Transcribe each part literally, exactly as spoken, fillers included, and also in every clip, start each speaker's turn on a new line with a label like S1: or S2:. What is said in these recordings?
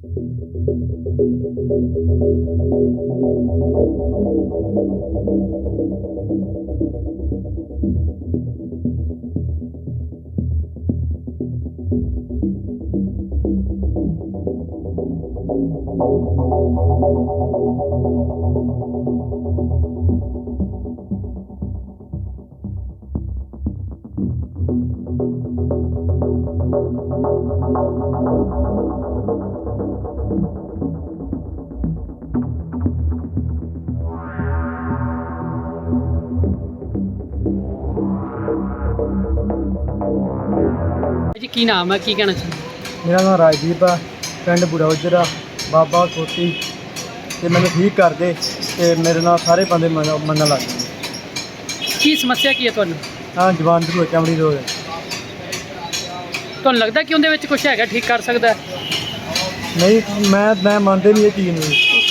S1: जी की नाम है, की कहना चाहिए?
S2: मेरा नाम राजदीप है, पिंड बूढ़ा उजरा बाबा खोती ते मैंने ठीक कर दे ते मेरे नाल सारे बंदे मन लग गए।
S1: की समस्या की है तुहानू?
S2: हाँ जवान दी चमड़ी रोग है।
S1: तुहानू लगदा कि उहदे विच कुछ हैगा ठीक कर सकदा है?
S2: नहीं मैं मैं मानते नहीं ये चीज़ नहीं।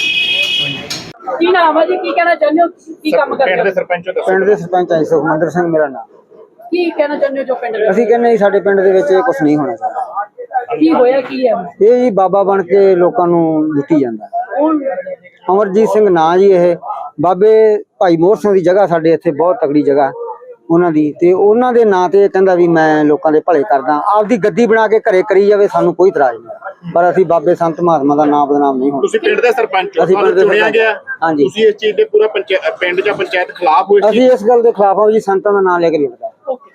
S1: की नाम है जी, की कहना चाहते हो, की काम करते हो?
S3: ਪਿੰਡ ਦੇ ਸਰਪੰਚ ਆਈ ਸੁਖਮੰਦਰ ਸਿੰਘ ਮੇਰਾ ਨਾਮ।
S1: की कहना चाहते हो जो पिंड दे
S3: ਅਸੀਂ ਕਹਿੰਦੇ ਜੀ ਸਾਡੇ ਪਿੰਡ ਦੇ ਵਿੱਚ ਇਹ ਕੁਝ ਨਹੀਂ ਹੋਣਾ ਚਾਹੀਦਾ।
S1: की होया की है
S3: ਇਹ ਜੀ ਬਾਬਾ ਬਣ ਕੇ ਲੋਕਾਂ ਨੂੰ ਲੁੱਟੀ ਜਾਂਦਾ।
S1: ਹੁਣ
S3: ਅਮਰਜੀਤ ਸਿੰਘ ਨਾਂ ਜੀ ਇਹ ਬਾਬੇ ਭਾਈ ਮੋਹਰ ਸਿੰਘ ਦੀ ਜਗ੍ਹਾ ਸਾਡੇ ਇੱਥੇ ਬਹੁਤ ਤਕੜੀ ਜਗ੍ਹਾ ਉਹਨਾਂ ਦੀ ਤੇ ਉਹਨਾਂ ਦੇ ਨਾਂ ਤੇ ਕਹਿੰਦਾ ਵੀ ਮੈਂ ਲੋਕਾਂ ਦੇ ਭਲੇ ਕਰਦਾ। ਆਪਦੀ ਗੱਦੀ ਬਣਾ ਕੇ ਘਰੇ ਕਰੀ ਜਾਵੇ, ਸਾਨੂੰ ਕੋਈ ਇਤਰਾਜ਼ ਨਹੀਂ, ਪਰ ਅਸੀਂ ਬਾਬੇ ਸੰਤ ਮਹਾਤਮਾ ਦਾ ਨਾਮ ਬਦਨਾਮ ਨਹੀਂ ਹੋਣਾ।
S4: ਤੁਸੀਂ ਪਿੰਡ ਦੇ ਸਰਪੰਚ ਹੋ,
S3: ਅਸੀਂ ਪਿੰਡ ਦੇ
S4: ਚੁਣਿਆ ਗਿਆ।
S3: ਹਾਂਜੀ,
S4: ਤੁਸੀਂ ਇਸ ਚੀਜ਼ ਦੇ ਪੂਰਾ ਪੰਚਾਇਤ ਪਿੰਡ ਜਾਂ ਪੰਚਾਇਤ ਖਿਲਾਫ ਹੋ?
S3: ਅਸੀਂ ਇਸ ਗੱਲ ਦੇ ਖਿਲਾਫ ਹਾਂ ਜੀ, ਸੰਤਾਂ ਦਾ ਨਾਮ ਲੈ ਕੇ ਲੁੱਟਦਾ।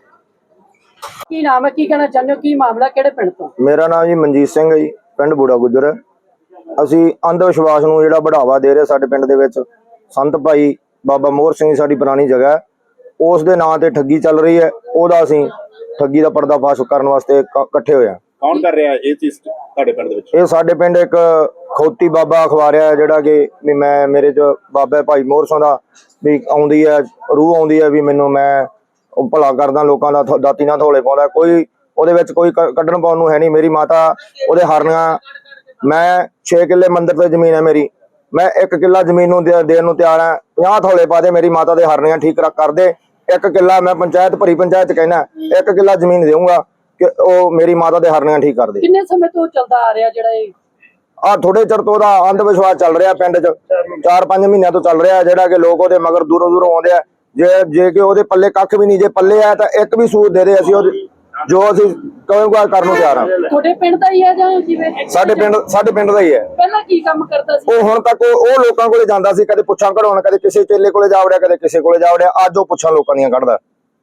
S1: की नाम है, की कहना चाहते हो, की मामला किहड़े पिंड तो?
S5: मेरा नाम जी मनजीत सिंह है जी, पिंड बूढ़ा गुजर। ਅਸੀਂ ਅੰਧ ਵਿਸ਼ਵਾਸ ਨੂੰ ਜਿਹੜਾ ਬੜਾਵਾ ਦੇ ਰਹੇ ਸਾਡੇ ਪਿੰਡ ਦੇ ਵਿੱਚ ਸੰਤ ਭਾਈ ਬਾਬਾ ਮੋਹਰ ਸਿੰਘ ਸਾਡੀ ਪੁਰਾਣੀ ਜਗ੍ਹਾ ਉਸ ਦੇ ਨਾਂ ਤੇ ਠੱਗੀ ਚੱਲ ਰਹੀ ਹੈ, ਉਹਦਾ ਅਸੀਂ ਠੱਗੀ ਦਾ ਪਰਦਾਫਾਸ਼ ਕਰਨ ਵਾਸਤੇ ਇਕੱਠੇ ਹੋਏ ਹਾਂ।
S4: ਕੌਣ ਕਰ ਰਿਹਾ ਇਹ ਚੀਜ਼ ਤੁਹਾਡੇ ਪਿੰਡ ਦੇ ਵਿੱਚ?
S5: ਇਹ ਸਾਡੇ ਪਿੰਡ ਇੱਕ ਖੋਤੀ ਬਾਬਾ ਅਖਵਾਰਿਆ ਜਿਹੜਾ ਕਿ ਵੀ ਮੈਂ ਮੇਰੇ ਚ ਬਾਬਾ ਭਾਈ ਮੋਹਰ ਸਿੰਘ ਦਾ ਵੀ ਆਉਂਦੀ ਹੈ, ਰੂਹ ਆਉਂਦੀ ਹੈ ਵੀ ਮੈਨੂੰ ਮੈਂ ਉਹ ਭਲਾ ਕਰਦਾ ਲੋਕਾਂ ਦਾ, ਦਾਤੀ ਨਾਲ ਥੋਲੇ ਪਾਉਂਦਾ, ਕੋਈ ਉਹਦੇ ਵਿੱਚ ਕੋਈ ਕੱਢਣ ਪਾਉਣ ਨੂੰ ਹੈ ਨਹੀਂ। ਮੇਰੀ ਮਾਤਾ ਉਹਦੇ ਹਰਨੀਆਂ, ਮੈਂ ਛੇ ਕਿੱਲੇ ਮੰਦਿਰ ਤੇ ਜ਼ਮੀਨ ਹੈ ਮੇਰੀ, ਮੈਂ ਇੱਕ ਕਿੱਲਾ ਜ਼ਮੀਨ ਨੂੰ ਦੇਣ ਨੂੰ ਤਿਆਰ ਹਾਂ। ਪੰਜਾਹ ਥੋਲੇ ਪਾ ਦੇ, ਮੇਰੀ ਮਾਤਾ ਦੇ ਹਰਨੀਆਂ ਠੀਕ ਕਰ ਦੇ। ਇੱਕ ਕਿੱਲਾ ਮੈਂ ਪੰਚਾਇਤ ਭਰੀ ਪੰਚਾਇਤ ਕਹਿਣਾ ਇੱਕ ਕਿੱਲਾ ਜ਼ਮੀਨ ਦੇਊਂਗਾ ਕਿ ਉਹ ਮੇਰੀ ਮਾਤਾ ਦੇ ਹਰਨੀਆਂ ਠੀਕ ਕਰ ਦੇ।
S1: ਕਿੰਨੇ ਸਮੇਂ ਤੋਂ ਚੱਲਦਾ ਆ ਰਿਹਾ ਜਿਹੜਾ ਇਹ
S5: ਆ ਥੋੜੇ ਚਿਰ ਤੋਂ ਉਹਦਾ ਅੰਧ ਵਿਸ਼ਵਾਸ ਚੱਲ ਰਿਹਾ ਪਿੰਡ 'ਚ, ਚਾਰ ਪੰਜ ਮਹੀਨਿਆਂ ਤੋਂ ਚੱਲ ਰਿਹਾ, ਜਿਹੜਾ ਕਿ ਲੋਕ ਉਹਦੇ ਮਗਰ ਦੂਰੋਂ ਦੂਰੋਂ ਆਉਂਦੇ ਆ। ਜੇ ਜੇ ਕਿ ਉਹਦੇ ਪੱਲੇ ਕੱਖ ਵੀ ਨਹੀਂ, ਜੇ ਪੱਲੇ ਆ ਤਾਂ ਇੱਕ ਵੀ ਸੂਤ ਦੇ ਦੇ, ਅਸੀਂ ਉਹਦੇ ਜੋ ਅਸੀਂ ਕਹੂੰਗਾ ਕਰਨ ਨੂੰ ਤਿਆਰ ਹਾਂ।
S1: ਤੁਹਾਡੇ ਪਿੰਡ ਦਾ ਹੀ ਹੈ ਜਾਂ ਜਿਵੇਂ?
S5: ਸਾਡੇ ਪਿੰਡ ਸਾਡੇ ਪਿੰਡ ਦਾ ਹੀ ਹੈ।
S1: ਪਹਿਲਾਂ ਕੀ ਕੰਮ ਕਰਦਾ ਸੀ?
S5: ਉਹ ਹੁਣ ਤੱਕ ਉਹ ਉਹ ਲੋਕਾਂ ਕੋਲੇ ਜਾਂਦਾ ਸੀ, ਕਦੇ ਪੁੱਛਾਂ ਕਢਾਉਣ, ਕਦੇ ਕਿਸੇ ਚੇਲੇ ਕੋਲੇ ਜਾ ਵੜਿਆ, ਕਦੇ ਕਿਸੇ ਕੋਲੇ ਜਾ ਵੜਿਆ। ਅੱਜ ਉਹ ਪੁੱਛਾਂ ਲੋਕਾਂ ਦੀਆਂ ਕੱਢਦਾ।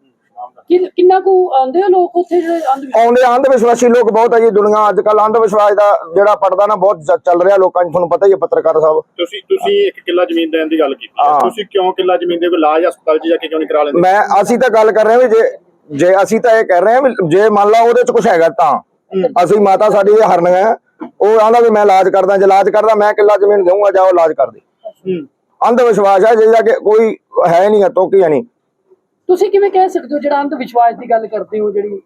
S1: ਕਿੰਨਾ ਕੁ ਆਉਂਦੇ ਹੋ ਲੋਕ ਉੱਥੇ ਜਿਹੜੇ
S5: ਆਉਂਦੇ ਅੰਧ ਵਿਸ਼ਵਾਸੀ ਲੋਕ ਬਹੁਤ ਹੈ ਜੀ ਦੁਨੀਆ ਅੱਜ ਕੱਲ। ਅੰਧ ਵਿਸ਼ਵਾਸ ਦਾ ਜਿਹੜਾ ਪੜਦਾ ਨਾ ਬਹੁਤ ਚੱਲ ਰਿਹਾ ਲੋਕਾਂ 'ਚ, ਤੁਹਾਨੂੰ ਪਤਾ ਹੀ ਹੈ ਪੱਤਰਕਾਰ ਸਾਹਿਬ।
S4: ਤੁਸੀਂ ਤੁਸੀਂ ਇੱਕ ਕਿੱਲਾ ਜ਼ਮੀਨ ਦੇਣ ਦੀ ਗੱਲ ਕੀਤੀ, ਤੁਸੀਂ ਕਿਉਂ ਕਿੱਲਾ ਜ਼ਮੀਨ ਦੇ ਕੋਈ ਇਲਾਜ ਹਸਪਤਾਲ 'ਚ ਜਾ ਕੇ ਕਿਉਂ ਨਹੀਂ ਕਰਾ ਲੈਂਦੇ?
S5: ਮੈਂ ਅਸੀਂ ਤਾਂ ਗੱਲ ਕਰ ਰਹੇ ਹਾਂ ਵੀ ਜੇ ਜੇ ਅਸੀਂ ਤਾਂ ਇਹ ਕਹਿ ਰਹੇ ਹਾਂ ਵੀ ਜੇ ਮੰਨ ਲਾ ਉਹਦੇ 'ਚ ਕੁਛ ਹੈਗਾ ਤਾਂ ਅਸੀਂ, ਮਾਤਾ ਸਾਡੀ ਇਹ ਹਰਨੀਆਂ, ਉਹ ਆਂਦਾ ਵੀ ਮੈਂ ਇਲਾਜ ਕਰਦਾ, ਜੇ ਇਲਾਜ ਕਰਦਾ ਮੈਂ ਕਿੱਲਾ ਜ਼ਮੀਨ ਦੇਊਂਗਾ, ਜਾਓ ਇਲਾਜ ਕਰ ਦੇ। ਅੰਧ ਵਿਸ਼ਵਾਸ ਹੈ ਜਿਹਦਾ ਕਿ ਕੋਈ ਹੈ ਨਹੀਂ, ਤੋਕੀ ਹੈ ਨਹੀਂ।
S1: ਤੁਸੀਂ ਕਿਵੇਂ ਕਹਿ ਸਕਦੇ ਹੋ ਜਿਹੜਾ ਅੰਧ ਵਿਸ਼ਵਾਸ ਦੀ ਗੱਲ ਕਰਦੇ ਹੋ ਜਿਹੜੀ,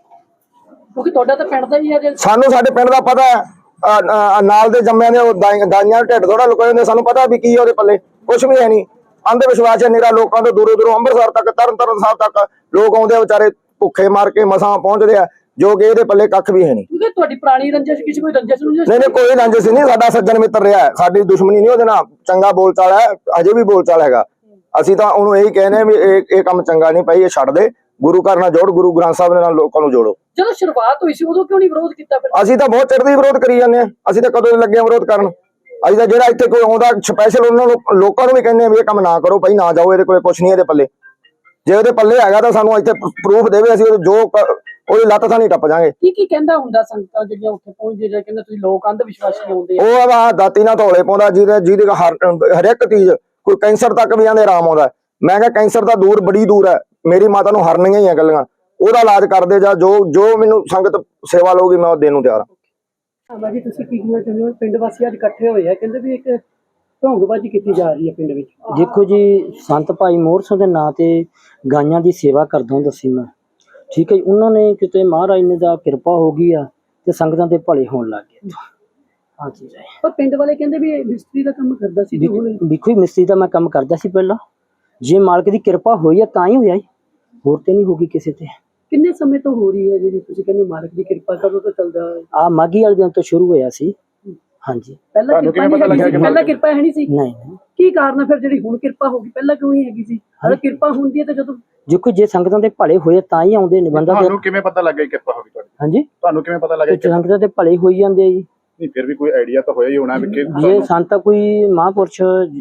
S1: ਕਿਉਂਕਿ ਤੁਹਾਡਾ ਤਾਂ ਪਿੰਡ ਦਾ ਹੀ ਹੈ।
S5: ਸਾਨੂੰ ਸਾਡੇ ਪਿੰਡ ਦਾ ਪਤਾ ਹੈ, ਨਾਲ ਦੇ ਜੰਮਿਆਂ ਦੇ ਦਾਈਆਂ ਢਿੱਡ ਥੋੜਾ ਲੁਕਾਏ ਹੁੰਦੇ, ਸਾਨੂੰ ਪਤਾ ਵੀ ਕੀ ਉਹਦੇ ਪੱਲੇ ਕੁਛ ਵੀ ਹੈ ਨਹੀਂ। ਅੰਧ ਵਿਸ਼ਵਾਸ ਹੈ ਨਿਰਾ, ਲੋਕਾਂ ਤੋਂ ਦੂਰੋਂ ਦੂਰੋਂ ਅੰਮ੍ਰਿਤਸਰ ਤੱਕ, ਤਰਨ ਤਾਰਨ ਸਾਹਿਬ ਤੱਕ ਲੋਕ ਆਉਂਦੇ ਆ, ਵਿਚਾਰੇ ਭੁੱਖੇ ਮਾਰ ਕੇ ਮਸਾਂ ਪਹੁੰਚਦੇ ਆ, ਜੋ ਕਿ ਇਹਦੇ ਪੱਲੇ ਕੱਖ ਵੀ ਹੈ ਨਹੀਂ।
S1: ਕਿਉਂਕਿ ਤੁਹਾਡੀ ਪੁਰਾਣੀ ਰੰਜਿਸ਼ ਕਿਸੇ ਕੋਈ ਰੰਜਿਸ਼ ਨਹੀਂ?
S5: ਨਹੀਂ ਕੋਈ ਰੰਜਿਸ਼ ਨਹੀਂ, ਸਾਡਾ ਸੱਜਣ ਮਿੱਤਰ ਰਿਹਾ, ਸਾਡੀ ਦੁਸ਼ਮਣੀ ਨਹੀਂ ਉਹਦੇ ਨਾਲ, ਚੰਗਾ ਬੋਲਚਾਲ ਹੈ, ਅਜੇ ਵੀ ਬੋਲਚਾਲ ਹੈਗਾ। ਅਸੀਂ ਤਾਂ ਉਹਨੂੰ ਇਹੀ ਕਹਿੰਦੇ ਵੀ ਇਹ ਇਹ ਕੰਮ ਚੰਗਾ ਨਹੀਂ ਭਾਈ, ਇਹ ਛੱਡ ਦੇ, ਗੁਰੂ ਘਰ ਨਾਲ ਜੋੜ, ਗੁਰੂ ਗ੍ਰੰਥ ਸਾਹਿਬ ਦੇ ਨਾਲ ਲੋਕਾਂ ਨੂੰ ਜੋੜੋ।
S1: ਜਦੋਂ ਸ਼ੁਰੂਆਤ ਹੋਈ ਸੀ ਉਦੋਂ ਕਿਉਂ ਨਹੀਂ ਵਿਰੋਧ ਕੀਤਾ ਫਿਰ?
S5: ਅਸੀਂ ਤਾਂ ਬਹੁਤ ਚਿਰ ਦੀ ਵਿਰੋਧ ਕਰੀ ਜਾਂਦੇ ਹਾਂ, ਅਸੀਂ ਤਾਂ ਕਦੋਂ ਦੇ ਲੱਗੇ ਹਾਂ ਵਿਰੋਧ ਕਰਨ। ਅਸੀਂ ਤਾਂ ਜਿਹੜਾ ਇੱਥੇ ਕੋਈ ਆਉਂਦਾ ਸਪੈਸ਼ਲ ਉਹਨਾਂ ਨੂੰ ਲੋਕਾਂ ਨੂੰ ਵੀ ਕਹਿੰਦੇ ਆ ਵੀ ਇਹ ਕੰਮ ਨਾ ਕਰੋ ਭਾਈ, ਨਾ ਜਾਓ, ਇਹਦੇ ਕੋਲੇ ਕੁਛ ਨਹੀਂ, ਇਹਦੇ ਪੱਲੇ ਜੇ ਉਹਦੇ ਪੱਲੇ ਹੈਗਾ ਤਾਂ ਸਾਨੂੰ ਇੱਥੇ ਪ੍ਰੂਫ ਦੇਵੇ, ਅਸੀਂ ਜੋ ਉਹਦੀ ਲੱਤ ਥਾਂ ਨਹੀਂ ਟੱਪ ਜਾਾਂਗੇ।
S1: ਕੀ ਕੀ ਕਹਿੰਦਾ ਹੁੰਦਾ ਸੰਗਤਾਂ ਜਿਹੜੀਆਂ ਉੱਥੇ ਪਹੁੰਚਦੇ, ਜਿਹੜੇ ਕਹਿੰਦੇ ਤੁਸੀਂ ਲੋਕ ਅੰਧ ਵਿਸ਼ਵਾਸੀ ਆਉਂਦੇ?
S5: ਉਹ ਆ ਦਾਤੀ ਨਾਲ ਧੌਲੇ ਪਾਉਂਦਾ, ਜਿਹਦੇ ਜਿਹਦੇ ਹਰ ਇੱਕ ਚੀਜ਼, ਕੋਈ ਕੈਂਸਰ ਤੱਕ ਵੀ ਆਂਦੇ ਆਰਾਮ ਆਉਂਦਾ। ਮੈਂ ਕਿਹਾ ਕੈਂਸਰ ਤਾਂ ਦੂਰ ਬੜੀ ਦੂਰ ਹੈ, ਮੇਰੀ ਮਾਤਾ ਨੂੰ ਹਰਨੀਆਂ ਹੀ ਆ ਗੱਲਾਂ, ਉਹਦਾ ਇਲਾਜ ਕਰਦੇ ਜਾਂ ਜੋ ਜੋ ਮੈਨੂੰ ਸੰਗਤ ਸੇਵਾ ਲਊਗੀ ਮੈਂ ਉਹ ਦੇਣ ਨੂੰ ਤਿਆਰ ਹਾਂ।
S1: ਬਾਜੀ ਤੁਸੀਂ ਕੀ ਕਹਿਣਾ ਚਾਹੁੰਦੇ ਹੋ? ਪਿੰਡ ਵਾਸੀ ਅੱਜ ਇਕੱਠੇ ਹੋਏ ਆ, ਕਹਿੰਦੇ ਵੀ ਇੱਕ ਢੋਂਗਬਾਜ਼ੀ ਕੀਤੀ ਜਾ ਰਹੀ ਹੈ ਪਿੰਡ ਵਿੱਚ।
S3: ਦੇਖੋ ਜੀ, ਸੰਤ ਭਾਈ ਮੋਹਰ ਸਿੰਘ ਦੇ ਨਾਂ ਤੇ ਗਾਈਆਂ ਦੀ ਸੇਵਾ ਕਰਦਾ ਹੁੰਦਾ ਸੀ ਮੈਂ, ਠੀਕ ਹੈ ਜੀ। ਉਹਨਾਂ ਨੇ ਕਿਤੇ ਮਹਾਰਾਜ ਨੇ ਦਾ ਕਿਰਪਾ ਹੋ ਗਈ ਆ ਤੇ ਸੰਗਤਾਂ ਦੇ ਭਲੇ ਹੋਣ ਲੱਗ ਗਏ। ਹਾਂ ਜੀ,
S1: ਪਰ ਪਿੰਡ ਵਾਲੇ ਕਹਿੰਦੇ ਵੀ ਮਿਸਤਰੀ ਦਾ ਕੰਮ ਕਰਦਾ ਸੀ।
S3: ਦੇਖੋ ਜੀ, ਮਿਸਤਰੀ ਦਾ ਮੈਂ ਕੰਮ ਕਰਦਾ ਸੀ ਪਹਿਲਾਂ, ਜੇ ਮਾਲਕ ਦੀ ਕਿਰਪਾ ਹੋਈ ਆ ਤਾਂ ਹੀ ਹੋਇਆ, ਹੋਰ ਤੇ ਨਹੀਂ ਹੋਗੀ ਕਿਸੇ ਤੇ।
S1: ਕਿੰਨੇ ਸਮੇਂ ਤੋਂ ਹੋ ਰਹੀ ਹੈ ਜਿਹੜੀ ਤੁਸੀਂ ਕਹਿੰਦੇ ਮਾਲਕ ਦੀ ਕਿਰਪਾ ਕਦੋਂ ਤੋਂ ਚੱਲਦਾ?
S3: ਆ ਮਾਘੀ ਵਾਲੇ ਦਿਨ ਤੋਂ ਸ਼ੁਰੂ ਹੋਇਆ ਸੀ। ਹਾਂਜੀ।
S1: ਪਹਿਲਾਂ
S4: ਤੁਹਾਨੂੰ
S1: ਕਿਰਪਾ
S4: ਕਿਵੇਂ
S1: ਨਹੀਂ
S4: ਪਤਾ
S1: ਹੈਗੀ
S4: ਲੱਗਿਆ
S1: ਸੀ,
S4: ਕਿ
S1: ਪਹਿਲਾਂ ਕਿਰਪਾ ਹੈ ਨਹੀਂ ਸੀ।
S3: ਨਹੀਂ ਨਹੀਂ
S1: ਕੀ ਕਾਰਨ ਹੈ ਫਿਰ ਜਿਹੜੀ ਹੁਣ ਕਿਰਪਾ ਹੋ ਗਈ, ਪਹਿਲਾਂ ਕਿਉਂ ਨਹੀਂ ਹੈਗੀ ਸੀ? ਅਗਰ ਕਿਰਪਾ ਹੁੰਦੀ ਹੈ ਤਾਂ ਜਦੋਂ
S3: ਦੇਖੋ ਜੇ ਸੰਗਤਾਂ ਦੇ ਭਲੇ ਹੋਏ ਤਾਂ ਹੀ ਆਉਂਦੇ ਨੇ ਬੰਦਾ ਤੇ।
S4: ਤੁਹਾਨੂੰ ਕਿਵੇਂ ਪਤਾ ਲੱਗਿਆ ਕਿ ਕਿਰਪਾ ਹੋ ਗਈ ਤੁਹਾਡੀ?
S3: ਹਾਂਜੀ,
S4: ਤੁਹਾਨੂੰ ਕਿਵੇਂ ਪਤਾ ਲੱਗਿਆ
S3: ਤੇ
S4: ਕਿ
S3: ਸੰਗਤਾਂ ਦੇ ਭਲੇ ਹੋਈ ਜਾਂਦੇ ਆ ਜੀ।
S4: ਨਹੀਂ ਫਿਰ ਵੀ ਕੋਈ ਆਈਡੀਆ ਤਾਂ ਹੋਇਆ ਹੀ ਹੋਣਾ ਵੀ ਕਿ
S3: ਜੇ ਸੰਤ ਕੋਈ ਮਹਾਂਪੁਰਸ਼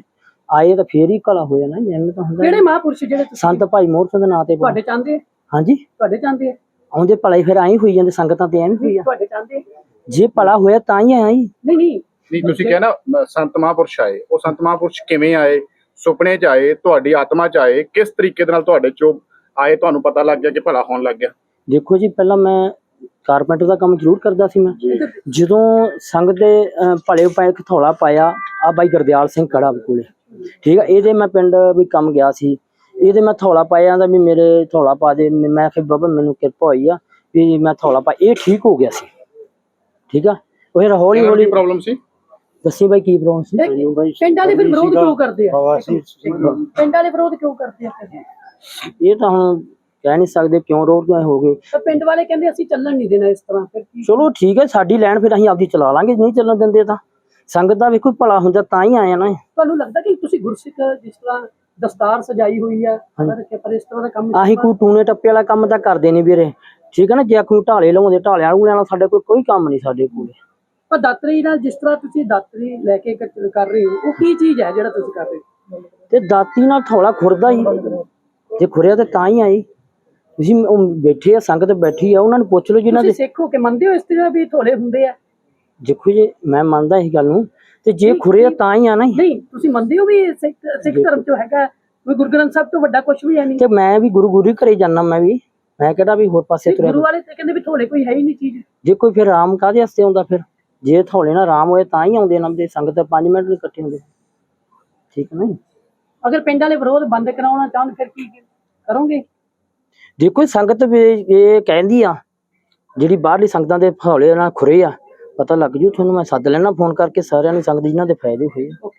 S3: ਆਏ ਤਾਂ ਫੇਰ ਹੀ ਭਲਾ ਹੋ ਜਾਣਾ, ਐਵੇਂ ਤਾਂ ਹੁੰਦਾ
S1: ਕਿਹੜੇ
S3: ਨਹੀਂ।
S1: ਮਹਾਂਪੁਰਸ਼ ਜਿਹੜੇ ਤੁਸੀਂ
S3: ਸੰਤ ਭਾਈ ਮੋਹਰ ਸਿੰਘ ਦੇ ਨਾਂ ਤੇ
S1: ਤੁਹਾਡੇ ਚਾਹੁੰਦੇ ਆ?
S3: ਹਾਂਜੀ,
S1: ਤੁਹਾਡੇ ਚਾਹੁੰਦੇ ਆ?
S3: ਆਉਂਦੇ ਭਲਾ ਹੀ ਫਿਰ ਐਂ ਹੋਈ ਜਾਂਦੇ, ਸੰਗਤਾਂ ਤੇ ਐਵੇਂ ਹੋਈ ਆ।
S1: ਤੁਹਾਡੇ ਚਾਹੁੰਦੇ ਆ?
S3: ਜੇ ਭਲਾ ਹੋਇਆ ਤਾਂ ਹੀ ਆਇਆ ਜੀ।
S1: ਨਹੀਂ ਨਹੀਂ
S4: ਨਹੀਂ ਤੁਸੀਂ ਕਿਹਾ ਨਾ ਅ, ਸੰਤ ਮਹਾਂਪੁਰਸ਼ ਆਏ, ਉਹ ਸੰਤ ਮਹਾਂਪੁਰਸ਼ ਕਿਵੇਂ ਆਏ? ਸੁਪਨੇ 'ਚ ਆਏ, ਤੁਹਾਡੀ ਆਤਮਾ 'ਚ ਆਏ, ਕਿਸ ਤਰੀਕੇ ਦੇ ਨਾਲ ਤੁਹਾਡੇ 'ਚੋਂ ਆਏ, ਤੁਹਾਨੂੰ ਪਤਾ ਲੱਗ ਗਿਆ ਕਿ ਭਲਾ ਹੋਣ ਲੱਗ ਗਿਆ?
S3: ਦੇਖੋ ਜੀ, ਪਹਿਲਾਂ ਮੈਂ ਕਾਰਪੈਂਟਰ ਦਾ ਕੰਮ ਜ਼ਰੂਰ ਕਰਦਾ ਸੀ। ਮੈਂ ਜਦੋਂ ਸੰਗਤ ਦੇ ਅਹ, ਭਲੇ ਪਾਏ ਥੋੜਾ ਪਾਇਆ ਆ ਬਾਈ ਗੁਰਦਿਆਲ ਸਿੰਘ ਖੜਾ ਕੋਲੇ, ਠੀਕ ਆ, ਇਹਦੇ ਮੈਂ ਪਿੰਡ ਵੀ ਕੰਮ ਗਿਆ ਸੀ, ਇਹਦੇ ਮੈਂ ਥੋੜਾ ਪਾਇਆ ਦਾ ਵੀ ਮੇਰੇ ਥੋੜਾ ਪਾ ਦੇ। ਮੈਂ ਕਿਹਾ ਬਾਬਾ ਮੈਨੂੰ ਕਿਰਪਾ ਹੋਈ ਆ ਵੀ ਮੈਂ ਥੋੜਾ ਪਾ, ਇਹ ਠੀਕ ਹੋ ਗਿਆ ਸੀ, ਠੀਕ ਆ। ਉਹ ਫਿਰ ਹੌਲੀ ਹੌਲੀ
S4: ਪ੍ਰੋਬਲਮ ਸੀ।
S3: ਦੱਸੀ ਬਾਈ ਕੀ ਪ੍ਰੋਬਲਮ ਸੀ?
S1: ਪਿੰਡ ਵਾਲੇ ਫਿਰ ਵਿਰੋਧ ਕਿਉਂ ਕਰਦੇ ਆ? ਪਿੰਡ ਵਾਲੇ ਵਿਰੋਧ ਕਿਉਂ ਕਰਦੇ ਆ ਫਿਰ?
S3: ਇਹ ਤਾਂ ਹੁਣ ਕਹਿ ਨਹੀਂ ਸਕਦੇ ਕਿਉਂ ਰੋਡ ਹੋ ਗਏ।
S1: ਤਾਂ ਪਿੰਡ ਵਾਲੇ ਕਹਿੰਦੇ ਅਸੀਂ ਚੱਲਣ ਨਹੀਂ ਦੇਣਾ ਇਸ ਤਰ੍ਹਾਂ, ਫਿਰ ਕੀ?
S3: ਚਲੋ ਠੀਕ ਹੈ, ਸਾਡੀ ਲੈਣ ਫਿਰ ਅਸੀਂ ਆਪਦੀ ਚਲਾ ਲਾਂਗੇ, ਨਹੀਂ ਚੱਲਣ ਦਿੰਦੇ ਤਾਂ ਸੰਗਤ ਦਾ ਵੇਖੋ ਭਲਾ ਹੁੰਦਾ ਤਾਂ ਹੀ ਆਇਆ ਨਾ।
S1: ਤੁਹਾਨੂੰ ਲੱਗਦਾ ਕਿ ਤੁਸੀਂ ਗੁਰਸਿੱਖ ਜਿਸ ਤਰ੍ਹਾਂ ਦਸਤਾਰ ਸਜਾਈ ਹੋਈ ਆ ਰੱਖਿਆ, ਪਰ ਇਸ ਤਰ੍ਹਾਂ ਦਾ ਕੰਮ
S3: ਆਹੀ ਕੋਈ ਟੂਨੇ ਟੱਪੇ ਵਾਲਾ ਕੰਮ ਤਾਂ ਕਰਦੇ ਨਹੀਂ ਵੀਰੇ, ਠੀਕ ਹੈ ਨਾ। ਜੇ ਕੋਈ ਢਾਲੇ ਲਾਉਂਦੇ ਢਾਲਿਆਂ ਨੂੰ ਲੈਣਾ, ਸਾਡੇ ਕੋਲ ਕੋਈ ਕੰਮ ਨਹੀਂ ਸਾਡੇ ਕੋਲ।
S1: ਪਰ ਦਾਤਰੀ ਨਾਲ ਜਿਸ ਤਰ੍ਹਾਂ ਤੁਸੀਂ ਦਾਤਰੀ ਲੈ ਕੇ ਕ- ਕਰ ਰਹੇ ਹੋ, ਉਹ ਕੀ ਚੀਜ਼ ਹੈ ਜਿਹੜਾ ਤੁਸੀਂ ਕਰ ਰਹੇ ਹੋ?
S3: ਤੇ ਦਾਤੀ ਨਾਲ ਥੋੜਾ ਖੁਰਦਾ ਹੀ, ਜੇ ਖੁਰਿਆ ਤੇ ਤਾਂ ਹੀ ਆਈ। ਤੁਸੀਂ ਉਹ ਬੈਠੇ ਆ, ਸੰਗਤ ਬੈਠੀ ਆ, ਉਹਨਾਂ ਨੂੰ ਪੁੱਛ ਲਓ ਜਿਨ੍ਹਾਂ
S1: ਤੁਸੀਂ
S3: ਦੇ।
S1: ਸਿੱਖ ਹੋ ਕੇ ਮੰਨਦੇ ਹੋ ਇਸ ਤਰ੍ਹਾਂ ਵੀ ਥੋੜੇ ਹੁੰਦੇ ਆ?
S3: ਦੇਖੋ ਜੀ, ਮੈਂ ਮੰਨਦਾ ਇਹ ਗੱਲ ਨੂੰ, ਤੇ ਜੇ ਖੁਰਿਆ ਤਾਂ ਹੀ ਆ ਨਾ।
S1: ਨਹੀਂ, ਤੁਸੀਂ ਮੰਨਦੇ ਹੋ ਵੀ ਸਿੱਖ ਸਿੱਖ ਧਰਮ ਚੋਂ ਹੈਗਾ ਵੀ ਗੁਰੂ ਗ੍ਰੰਥ ਸਾਹਿਬ ਤੋਂ ਵੱਡਾ ਕੁਝ ਵੀ ਹੈ ਨਹੀਂ?
S3: ਤੇ ਮੈਂ ਵੀ ਗੁਰੂ ਗੁਰੂ ਘਰੇ ਜਾਣਾ, ਮੈਂ ਵੀ ਮੈਂ ਕਿਹੜਾ ਵੀ ਹੋਰ ਪਾਸੇ ਤੁਰਿਆ।
S1: ਗੁਰੂ ਵਾਲੇ ਤੇ ਕਹਿੰਦੇ ਵੀ ਥੋੜੇ ਕੋਈ ਹੈ ਹੀ ਨਹੀਂ ਚੀਜ਼।
S3: ਜੇ ਕੋਈ ਫਿਰ ਰਾਮ ਕਾਹਦੇ ਵਾਸਤੇ ਆਉਂਦਾ? ਫਿਰ ਜੇ ਥੋੜੇ ਨਾਲ ਰਾਮ ਹੋਏ ਤਾਂ ਹੀ ਆਉਂਦੇ ਨਾ, ਦੇ ਸੰਗਤ ਪੰਜ ਮਿੰਟ ਨਹੀਂ ਇਕੱਠੇ ਹੁੰਦੇ, ਠੀਕ ਹੈ ਨਾ ਜੀ।
S1: ਅਗਰ ਪਿੰਡ ਵਾਲੇ ਵਿਰੋਧ ਬੰਦ ਕਰਾਉਣਾ ਚਾਹਣ ਫਿਰ ਕੀ ਕਰੋਗੇ?
S3: ਦੇਖੋ ਸੰਗਤ ਵੀ ਇਹ ਕਹਿੰਦੀ ਆ, ਜਿਹੜੀ ਬਾਹਰਲੀ ਸੰਗਤਾਂ ਦੇ ਹੌਲੇ ਨਾਲ ਖੁਰੇ ਆ, ਪਤਾ ਲੱਗ ਜੂ ਤੁਹਾਨੂੰ। ਮੈਂ ਸੱਦ ਲੈਣਾ ਫੋਨ ਕਰਕੇ ਸਾਰਿਆਂ ਨੂੰ, ਸੰਗਤ ਜਿਨ੍ਹਾਂ ਦੇ ਫਾਇਦੇ ਹੋਏ ਆ।